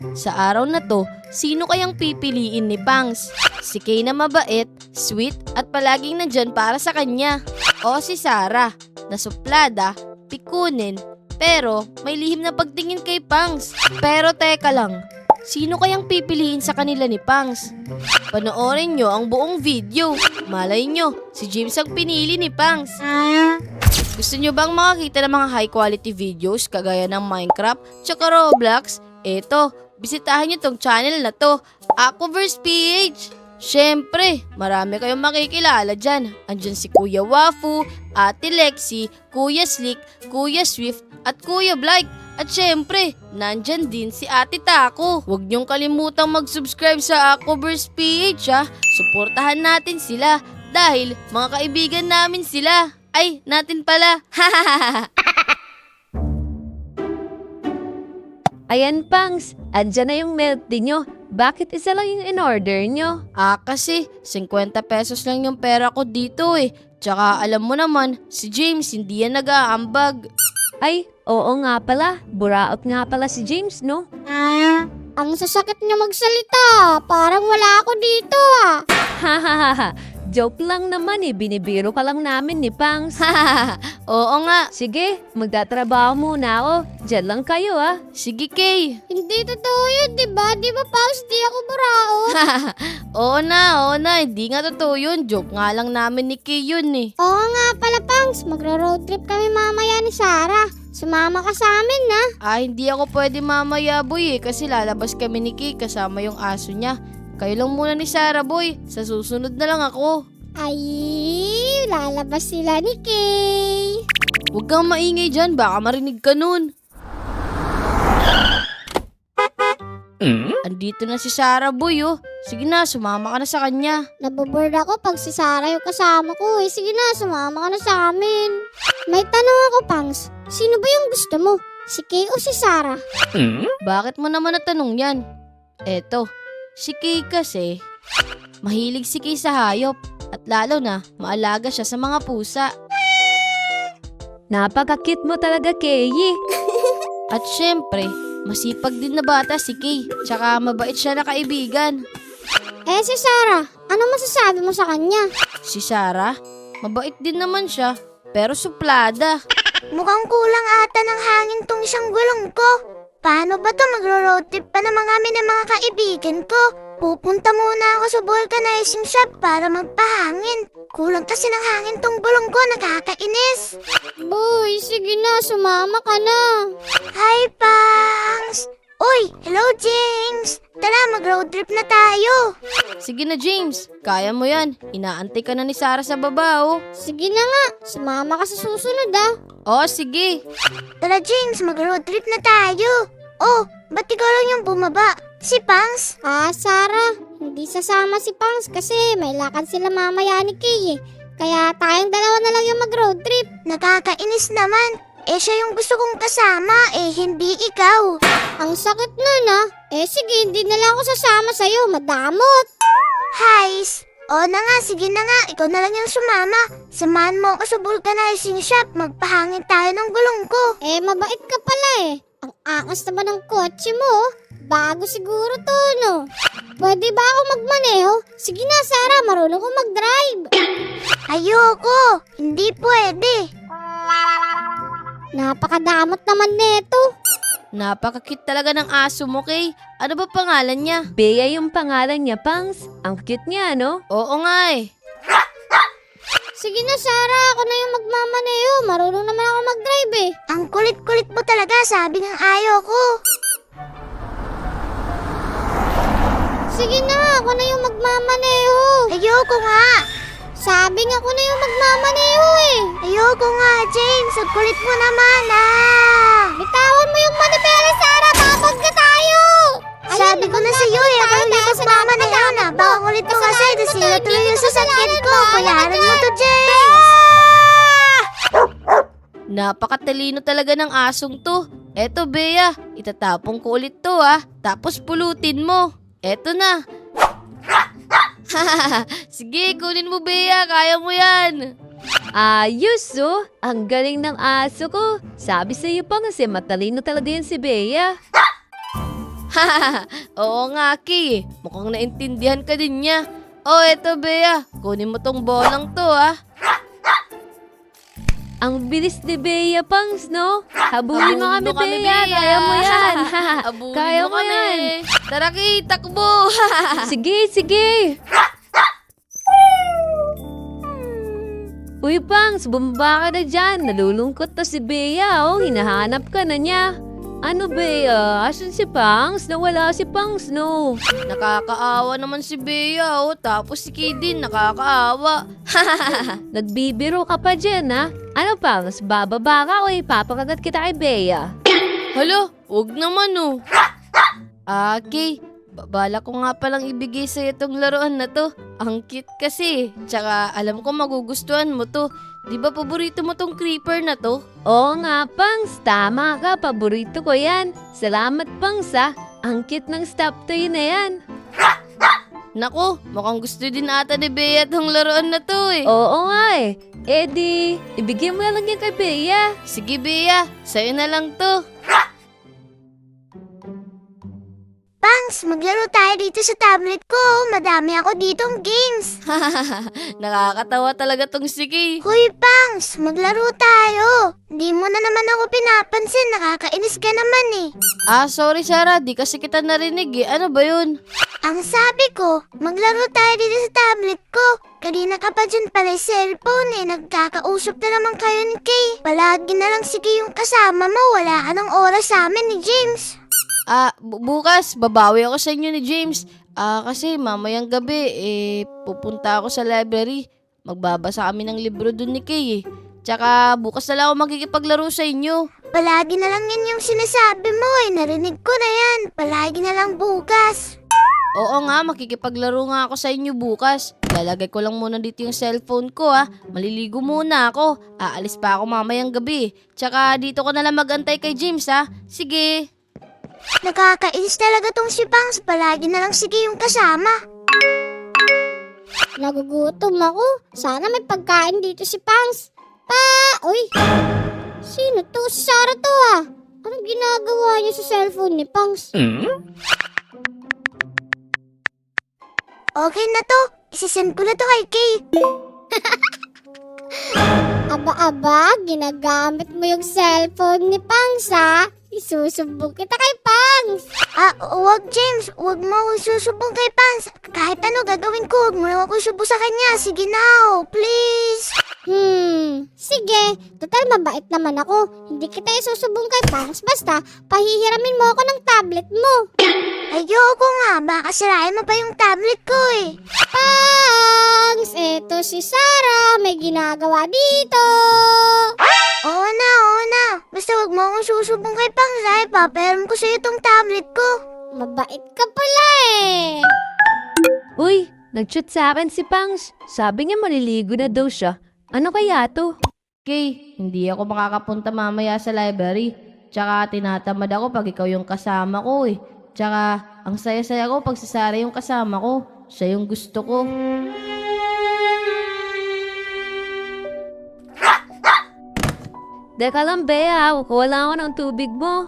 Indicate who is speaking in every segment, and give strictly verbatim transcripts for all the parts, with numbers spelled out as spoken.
Speaker 1: Sa araw na to, sino kayang pipiliin ni Pangs? Si Kay na mabait, sweet at palaging nandyan para sa kanya. O si Sarah, na suplada, pikunin, pero may lihim na pagtingin kay Pangs. Pero teka lang, sino kayang pipiliin sa kanila ni Pangs? Panoorin nyo ang buong video. Malay nyo, si James ang pinili ni Pangs. Gusto nyo bang makakita ng mga high quality videos kagaya ng Minecraft tsaka Roblox? Eto, bisitahin nyo tong channel na to, Aquaverse P H. Syempre, marami kayong makikilala dyan. Andyan si Kuya Wafu, Ate Lexi, Kuya Slick, Kuya Swift at Kuya Blake. At syempre, nandyan din si Ate Taco. Huwag niyong kalimutang mag-subscribe sa Aquaverse P H ha. Suportahan natin sila dahil mga kaibigan namin sila. Ay, natin pala.
Speaker 2: Ayan, Pangs. Andyan na yung milk tea nyo. Bakit isa lang yung in-order nyo?
Speaker 1: Ah, kasi fifty pesos lang yung pera ko dito eh. Tsaka alam mo naman, si James hindi yan nag-aambag.
Speaker 2: Ay, oo nga pala. Buraot nga pala si James, no?
Speaker 3: Ah, ang sasakit niyo magsalita. Parang wala ako dito ah.
Speaker 2: Hahaha. Joke lang naman eh. Binibiro ka lang namin ni Pangs.
Speaker 1: Oo nga.
Speaker 2: Sige, magtatrabaho muna ako. Diyan lang kayo ah.
Speaker 1: Sige, Kay.
Speaker 3: Hindi totoo yun, di ba? Di ba, Paus? Di ako buraot.
Speaker 1: Oo na, oo na. Hindi nga totoo yun. Joke nga lang namin ni Kay yun eh.
Speaker 3: Oo nga pala, Pangs. Magro-road trip kami mamaya ni Sarah. Sumama ka sa amin, na.
Speaker 1: Ah, hindi ako pwede mamaya, boy eh. Kasi lalabas kami ni Kay kasama yung aso niya. Kayo lang muna ni Sarah, boy. Sa susunod na lang ako.
Speaker 3: Ay, lalabas sila ni Kay.
Speaker 1: Huwag kang maingay dyan. Baka marinig ka nun. Andito na si Sarah, boy, oh. Sige na, sumama ka na sa kanya.
Speaker 3: Naboboard ako pag si Sarah yung kasama ko eh. Sige na, sumama ka na sa amin. May tanong ako, Pangs. Sino ba yung gusto mo? Si Kay o si Sarah?
Speaker 1: Bakit mo naman natanong yan? Eto, si Kay kasi, mahilig si Kay sa hayop. At lalo na, maalaga siya sa mga pusa.
Speaker 2: Napakakit mo talaga, Kay.
Speaker 1: At syempre, masipag din na bata si Kay. Tsaka mabait siya na kaibigan.
Speaker 3: Eh si Sarah, ano masasabi mo sa kanya?
Speaker 1: Si Sarah, mabait din naman siya. Pero suplada.
Speaker 4: Mukhang kulang ata ng hangin tong isang gulong ko. Paano ba to? Magro-road trip pa naman kami ng mga kaibigan ko. Pupunta muna ako sa vulcanizing shop para magpahangin. Kulang kasi ng hangin tong gulong ko, nakakainis.
Speaker 3: Boy, sige na, sumama ka na.
Speaker 4: Hi, Pangs! Uy, hello, James! Tara, mag-road trip na tayo.
Speaker 1: Sige na, James. Kaya mo yan. Inaantay ka na ni Sarah sa baba, oh.
Speaker 3: Sige na nga, sumama ka sa susunod ah.
Speaker 1: Oh, sige.
Speaker 4: Tara, James, mag-road trip na tayo. Oh, ba't ikaw lang yung bumaba? Si Pangs?
Speaker 3: Ah, Sarah, hindi sasama si Pangs kasi may lakad sila mamaya ni Kay eh. Kaya tayong dalawa na lang yung mag-road trip.
Speaker 4: Nakakainis naman. Eh, siya yung gusto kong kasama, eh, hindi ikaw.
Speaker 3: Ang sakit nun ah. Eh sige, hindi na lang ako sasama sa'yo, madamot.
Speaker 4: Hais! O na nga, sige na nga, ikaw na lang yung sumama. Samahan mo ako sa vulcanizing shop, magpahangin tayo ng gulong ko.
Speaker 3: Eh, mabait ka pala eh. Ang angas naman ng kotse mo. Bago siguro to, no? Pwede ba ako magmaneho? Sige na, Sarah, marunong ko mag-drive.
Speaker 4: Ayoko, hindi pwede.
Speaker 3: Napakadamot naman neto.
Speaker 1: Napakakit talaga ng aso mo, Kay. Ano ba pangalan niya?
Speaker 2: Bea yung pangalan niya, Pangs. Ang cute niya, no?
Speaker 1: Oo nga eh.
Speaker 3: Sige na, Sarah, ako na yung magmamaneho. Marunong naman ako mag-drive eh.
Speaker 4: Ang kulit-kulit mo talaga, sabi ng ayoko.
Speaker 3: Sige na, ako na yung magmamaneho.
Speaker 4: Ayoko nga.
Speaker 3: Sabi nga ako na yung magmamaneho eh.
Speaker 4: Ayoko nga, James. Ang kulit mo naman, ah.
Speaker 3: Bitawan mo yung manibela, Sarah. Babag na tayo.
Speaker 4: Sabi ko na sa'yo eh, ako hindi magmamaneho na. Baka ang kulit mo kasi, nasira tuloy yung sasakyan ko. Bayaran mo to, James.
Speaker 1: Napakatalino talaga ng asong to. Eto, Bea. Itatapong ko ulit to, ah. Tapos pulutin mo. Eto na. Sige, kunin mo, Bea. Kaya mo yan.
Speaker 2: Ayos, oh. Ang galing ng aso ko. Sabi sa'yo pa kasi matalino talaga yan si Bea.
Speaker 1: Oo nga, Kay. Mukhang naintindihan ka din niya. Oh, eto, Bea. Kunin mo tong bolang to, ah.
Speaker 2: Ang bilis ni Bea, Pangs, no? Habulin mo kami,
Speaker 1: Habulin mo kami,
Speaker 2: Bea.
Speaker 1: Bea.
Speaker 2: Kaya mo yan.
Speaker 1: Abulin
Speaker 2: Kaya
Speaker 1: mo
Speaker 2: mo
Speaker 1: kami.
Speaker 2: yan.
Speaker 1: Tara, Kay. Takbo.
Speaker 2: Sige, sige. Uy, Pangs, bumaba ka na dyan. Nalulungkot na si Bea, oh. Hinahanap ka na niya. Ano, Bea? Asan si Pangs? Nawala si Pangs, no?
Speaker 1: Nakakaawa naman si Bea, oh. Tapos si Kay din, nakakaawa.
Speaker 2: Nagbibiro ka pa dyan, ha? Ano, Pangs? Bababa ka o ipapakagat kita kay Bea?
Speaker 1: Hala, wag naman, oh. Ah, Kay. Bala ko nga palang ibigay sa'yo itong laruan na to. Ang cute kasi. Tsaka alam ko magugustuhan mo to. Di ba paborito mo tong creeper na to?
Speaker 2: Oo nga, Pangs. Tama ka. Paborito ko yan. Salamat, Pangs, ha? Ang cute ng stop toy na yan.
Speaker 1: Nako, mukhang gusto din ata ni Bea tong laruan na to eh.
Speaker 2: Oo nga eh. Eh di, ibigay mo na lang yan kay Bea.
Speaker 1: Sige Bea, sa'yo na lang to.
Speaker 4: Pangs, maglaro tayo dito sa tablet ko. Madami ako ditong games.
Speaker 1: Nakakatawa talaga tong si Kay.
Speaker 4: Hoy, Pangs, maglaro tayo. Di mo na naman ako pinapansin. Nakakainis ka naman eh.
Speaker 1: Ah, sorry Sarah, di kasi kita narinig eh. Ano ba yun?
Speaker 4: Ang sabi ko, maglaro tayo dito sa tablet ko. Kanina ka pa dyan pala yung cellphone eh. Nagkakausap na naman kayo ni Kay. Palagi na lang si Kay yung kasama mo. Wala ka ng oras sa amin ni James.
Speaker 1: Ah, bu- bukas, babawi ako sa inyo ni James. Ah, kasi mamayang gabi, eh, pupunta ako sa library. Magbabasa kami ng libro dun ni Kay eh. Tsaka bukas na lang ako makikipaglaro sa inyo.
Speaker 4: Palagi na lang yan yung sinasabi mo eh. Narinig ko na yan. Palagi na lang bukas.
Speaker 1: Oo nga, makikipaglaro nga ako sa inyo bukas. Lalagay ko lang muna dito yung cellphone ko ah. Maliligo muna ako. Aalis pa ako mamayang gabi. Tsaka dito ko na lang magantay kay James ah. Sige.
Speaker 4: Nakakainis talaga tong si Pangs. Palagi na lang sige yung kasama.
Speaker 3: Nagugutom ako. Sana may pagkain dito si Pangs. Pa! Uy! Sino to? Si Sarah to ah. Anong ginagawa niya sa cellphone ni Pangs?
Speaker 4: Okay na to. Isisend ko na to kay Kay.
Speaker 3: Aba-aba, ginagamit mo yung cellphone ni Pangs ha? Isusubok kita kay Pangs.
Speaker 4: Ah, wag James. Wag mo ako susubong kay Pangs. Kahit ano gagawin ko, wag mo lang ako subo sa kanya. Sige na, oh, please.
Speaker 3: Hmm, sige. Total mabait naman ako. Hindi kita isusubong kay Pangs. Basta, pahihiramin mo ako ng tablet mo.
Speaker 4: Ayoko nga. Baka sirain mo pa yung tablet ko eh.
Speaker 3: Pangs, eto si Sarah. May ginagawa dito.
Speaker 4: Oo na, oo na. Basta wag mo akong susubong kay Pangs ay papayaram ko sa'yo tong tablet ko.
Speaker 3: Mabait ka pala eh.
Speaker 2: Uy, nag-chat sa akin si Pangs. Sabi niya maliligo na daw siya. Ano kaya to?
Speaker 1: Kay, hindi ako makakapunta mamaya sa library. Tsaka tinatamad ako pag ikaw yung kasama ko eh. Tsaka ang saya-saya ko pag si Sarah yung kasama ko. Siya yung gusto ko.
Speaker 2: Teka lang, Bea. Wala ako ng tubig mo.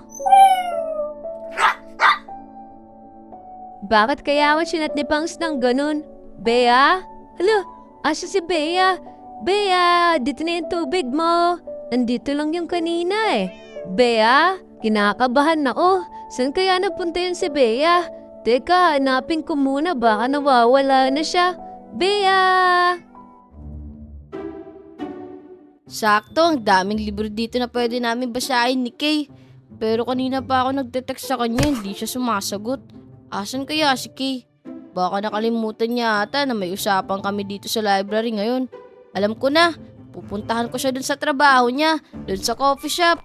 Speaker 2: Bakit kaya ako sinat ni Pangs ng ganun? Bea? Hala, asa si Bea? Bea, dito na yung tubig mo. Nandito lang yung kanina eh. Bea, kinakabahan ako. Saan kaya napunta yun si Bea? Teka, hanapin ko muna. Baka nawawala na siya. Bea!
Speaker 1: Sakto, ang daming libro dito na pwede namin basahin ni Kay. Pero kanina pa ako nagte-text sa kanya, hindi siya sumasagot. Asan kaya si Kay? Baka nakalimutan niya ata na may usapan kami dito sa library ngayon. Alam ko na, pupuntahan ko siya dun sa trabaho niya, dun sa coffee shop.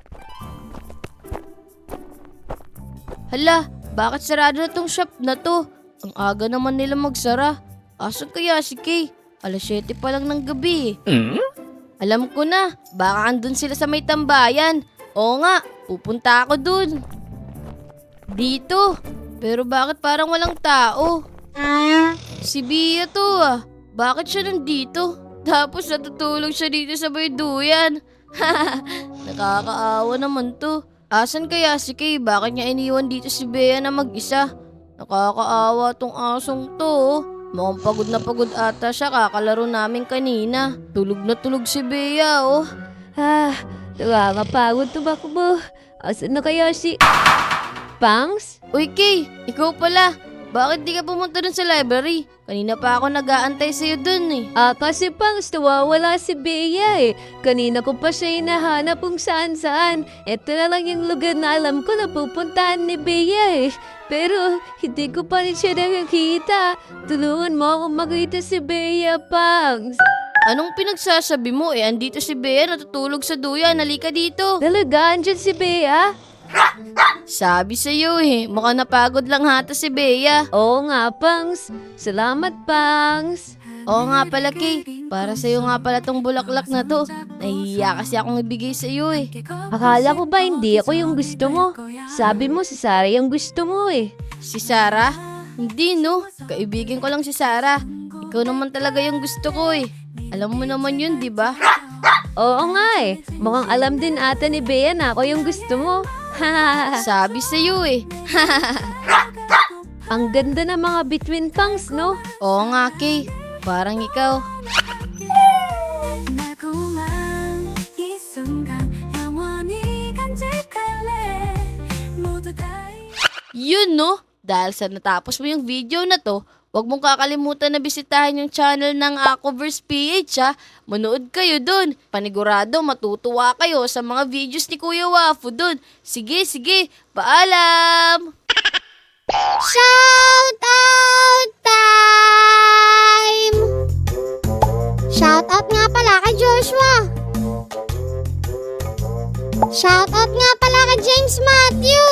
Speaker 1: Hala, bakit sarado na tong shop na to? Ang aga naman nila magsara. Asan kaya si Kay? alas siyete pa lang ng gabi eh. Alam ko na, baka andun sila sa may tambayan. Oo nga, pupunta ako dun. Dito. Pero bakit parang walang tao? Si Bea to ah. Bakit siya nandito? Tapos natutulog siya dito sa may duyan. Nakakaawa naman to. Asan kaya si Kay? Bakit niya iniwan dito si Bea na mag-isa? Nakakaawa tong asong to. oh. Mukhang pagod na pagod ata siya, kakalaro namin kanina. Tulog na tulog si Bea, oh.
Speaker 2: Ah, nakakapagod tumakbo. Asan na kaya si... Pangs?
Speaker 1: Uy, Kay, ikaw pala. Bakit di ka pumunta dun sa library? Kanina pa ako nag-aantay sa'yo dun eh.
Speaker 2: Ah, kasi Pangs, nawawala si Bea eh. Kanina ko pa siya hinahanap kung saan-saan. Ito na lang yung lugar na alam ko na pupuntahan ni Bea eh. Pero hindi ko pa rin siya nakakita. Tulungan mo akong makita si Bea, Pangs.
Speaker 1: Anong pinagsasabi mo eh? Andito si Bea, natutulog sa duyan. Halika dito.
Speaker 2: Talaga, andyan si Bea?
Speaker 1: Sabi sa'yo eh, mukhang napagod lang hata si Bea.
Speaker 2: Oo nga, Pangs. Salamat, Pangs.
Speaker 1: Oo nga pala, Kay. Para sa'yo nga pala tong bulaklak na to. Nahihiya kasi akong ibigay sa'yo eh.
Speaker 2: Akala ko ba hindi ako yung gusto mo? Sabi mo si Sarah yung gusto mo eh.
Speaker 1: Si Sarah? Hindi no, kaibigan ko lang si Sarah. Ikaw naman talaga yung gusto ko eh. Alam mo naman yun, di ba?
Speaker 2: Oo nga eh. Mukhang alam din ata ni Bea na ako yung gusto mo.
Speaker 1: Sabi sa'yo eh.
Speaker 2: Ang ganda ng mga between Pangs, no?
Speaker 1: Oo nga, Kay. Parang ikaw.
Speaker 5: 달콤한 이 순간 영원히 간직할래 모두 다
Speaker 1: Yun no, dahil sa natapos mo yung video na to, huwag mong kakalimutan na bisitahin yung channel ng Aquaverse P H ha. Manood kayo dun. Panigurado matutuwa kayo sa mga videos ni Kuya Wafu dun. Sige, sige. Paalam!
Speaker 3: Shout out time! Shout out nga pala kay Joshua. Shout out nga pala kay James Matthew.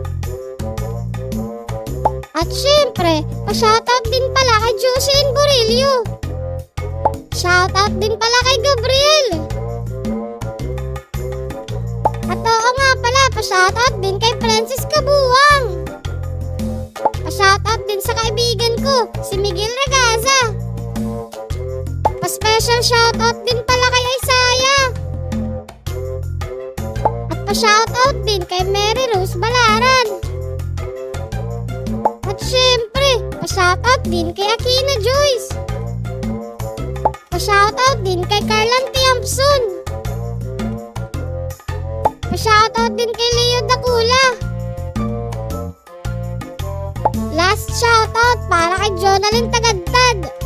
Speaker 3: At syempre, pa-shoutout din pala kay Jocelyn Borillo. Shoutout din pala kay Gabriel. At oo nga pala, pa-shoutout din kay Francis Kabuwang. Pa-shoutout din sa kaibigan ko, si Miguel Ragaza. Pa-special shoutout din pala kay Isaiah. At pa-shoutout din kay Mary Rose Balaran. At syempre, pa-shoutout din kay Akina Joyce. Pa-shoutout din kay Carlan Tiampson. Pa-shoutout din kay Leo Dakula. Last shoutout para kay Jonalyn Tagadtad.